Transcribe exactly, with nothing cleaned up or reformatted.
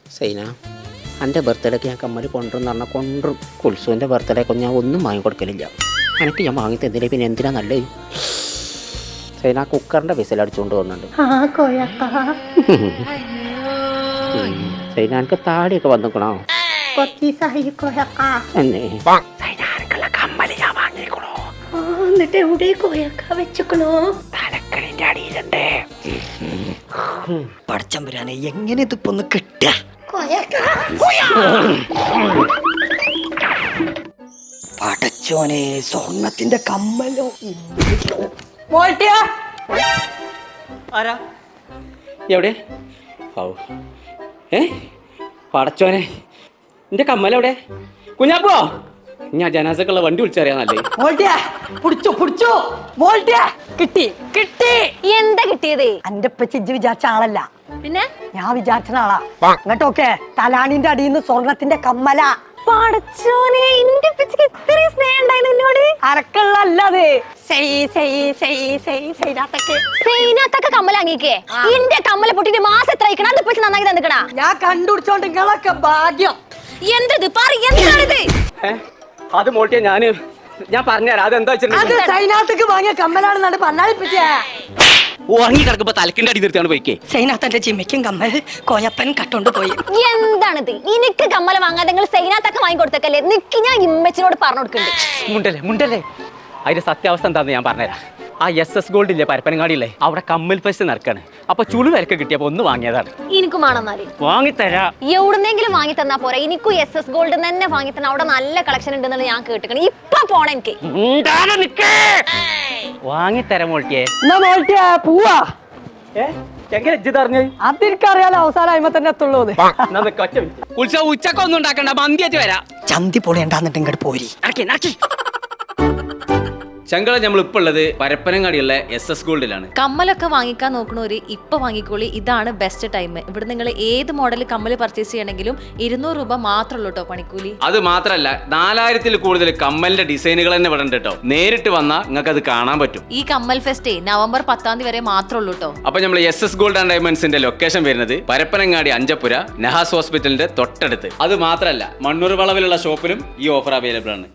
സൈന, എൻ്റെ ബർത്ത്ഡേക്ക് ഞാൻ കമ്മൽ കൊണ്ടുവന്ന് പറഞ്ഞാൽ കൊണ്ടും കുൽസുവിൻ്റെ ബർത്ത്ഡേക്ക് ഞാൻ ഒന്നും വാങ്ങി കൊടുക്കലില്ല. എനിക്ക് ഞാൻ വാങ്ങി തന്നില്ല, പിന്നെ എന്തിനാ നല്ലത്? സൈന കുക്കറിൻ്റെ വിസിലടിച്ചുകൊണ്ട് പോകുന്നുണ്ട്. സൈന എനിക്ക് താടിയൊക്കെ വന്നിക്കണോ? കമ്മല് ഞാൻ വാങ്ങിക്കണോ? എന്നിട്ട് എവിടെ കോയക്ക വെച്ചക്കണോ? തലക്കണിൻ്റെ അടിയിലുണ്ട്. പടച്ചമ്പുരാനെ, എങ്ങനെ ഇതിപ്പോ ഒന്ന് കിട്ടുക? പടച്ചോനെ, സ്വർണത്തിന്റെ കമ്മലോ. ആരാ എവിടെ? ഓ ഏ പടച്ചോനെ, എന്റെ കമ്മലെവിടെ? കുഞ്ഞാപ്പോ, ഞാൻ ജനാസക്കുള്ള വണ്ടി വിളിച്ചറിയാന്നല്ലേ. പിടിച്ചു പിടിച്ചു കിട്ടി കിട്ടി. എന്താ കിട്ടിയത്? എന്റെ ഇജ്ജ് വിചാരിച്ച ആളല്ല, പിന്നെ ഞാൻ വിചാരിച്ച ആളാ. അങ്ങോട്ടൊക്കെ തലാണിന്റെ അടിയിൽ നിന്ന് സ്വർണത്തിന്റെ കമ്മല. പടച്ചോനെ, എന്റെ പിച്ചക്ക് ഇത്രയും സ്നേഹം ഉണ്ടായിരുന്നു എന്നോട്. അരക്കള്ളല്ലത്. സൈനാത്തൊക്കെ കമ്മൽ വാങ്ങിക്കേ. എന്റെ കമ്മല പൊട്ടിട്ട് മാസം എത്ര അയക്കണം? അത് പിടിച്ച് നന്നാക്കി തന്നിക്കണാ. ഞാൻ കണ്ടുപിടിച്ചോണ്ട് നിങ്ങളൊക്കെ ഭാഗ്യം. എന്തത് പറ, എന്താണിത്? അത് മോട്ടിയ ഞാന് ഞാൻ പറഞ്ഞുതരാം. അതെന്താ അത് സൈനാത്തേക്ക് വാങ്ങിയ കമ്മലാണെന്നാണ് പറഞ്ഞാൽ. ഉറങ്ങി കിടക്കുമ്പോ തലക്കിന്റെ അടി നിർത്തിയാണ് പോയിക്കേ. സൈനാത്തന്റെ ജിമ്മയ്ക്കും കമ്മൽ കോയപ്പൻ കട്ടോണ്ട് പോയി. എന്താണിത്? എനിക്ക് കമ്മല വാങ്ങാതെ നിങ്ങൾ സൈനാത്തൊക്കെ വാങ്ങി കൊടുത്തേക്കല്ലേ? നിക്ക്, ഞാൻ ഇമ്മച്ചിനോട് പറഞ്ഞു കൊടുക്കുന്നുണ്ട്. മുണ്ടല്ലേ മുണ്ടല്ലേ അതിന്റെ സത്യാവസ്ഥ എന്താന്ന് ഞാൻ പറഞ്ഞുതരാം. ആ എസ് എസ് ഗോൾഡ് ഇല്ലേ, പരപ്പനങ്ങാടിയില്ലേ, അവിടെ കമ്മൽ ഫെസ്റ്റ് നടക്കാണ്. അപ്പൊ ചുളു വിലക്ക് കിട്ടിയപ്പോ ഒന്ന് വാങ്ങിയതാണ്. എനിക്കും വേണമെന്നാല് വാങ്ങിത്തരാ. എവിടുന്നെങ്കിലും വാങ്ങി തന്നാ പോരാ? എനിക്കും എസ് എസ് ഗോൾഡ് തന്നെ വാങ്ങി തന്ന. അവിടെ നല്ല കളക്ഷൻ ഉണ്ടെന്ന് ഞാൻ കേട്ടിക്കണം. ഇപ്പൊ പോണ എനിക്ക് വാങ്ങിത്തരാ മോൾട്ടിയെ. പോവാ. എങ്ങനെ ഇജ്ജ് അതെനിക്കറിയാലോ, അവസാനം അയിമ തന്നെ എത്തുള്ളൂ. ഉച്ചക്ക് ഒന്നും ഉണ്ടാക്കണ്ട, മന്തിയായിട്ട് വരാം. ചന്തി പൊളിയണ്ടാന്നിട്ട് ഇങ്ങോട്ട് പോരി. ചങ്കള നമ്മൾ ഇപ്പൊ ഉള്ളത് പരപ്പനങ്ങാടിയുള്ള എസ് എസ് ഗോൾഡിലാണ്. കമ്മലൊക്കെ വാങ്ങിക്കാൻ നോക്കണവര് ഇപ്പൊ വാങ്ങിക്കോളി, ഇതാണ് ബെസ്റ്റ് ടൈം. ഇവിടെ നിങ്ങൾ ഏത് മോഡൽ കമ്മല് പർച്ചേസ് ചെയ്യണമെങ്കിലും ഇരുന്നൂറ് രൂപ മാത്രമല്ലോ കേട്ടോ പണിക്കൂലി. അത് മാത്രല്ല, നാലായിരത്തിൽ കൂടുതൽ കമ്മലിന്റെ ഡിസൈനുകൾ തന്നെ ഇവിടെ ഉണ്ട് കേട്ടോ. നേരിട്ട് വന്നാൽ നിങ്ങൾക്ക് അത് കാണാൻ പറ്റും. ഈ കമ്മൽ ഫെസ്റ്റ് നവംബർ പത്താം തീയതി വരെ മാത്രമല്ലോ കേട്ടോ. അപ്പൊ നമ്മൾ എസ് എസ് ഗോൾഡ് ആൻഡ് ഡയമണ്ട്സിന്റെ ലൊക്കേഷൻ വരുന്നത് പരപ്പനങ്ങാടി അഞ്ചപ്പുര നഹാസ് ഹോസ്പിറ്റലിന്റെ തൊട്ടടുത്ത്. അത് മാത്രല്ല, മണ്ണൂർ വളവിലുള്ള ഷോപ്പിലും ഈ ഓഫർ അവൈലബിൾ ആണ്.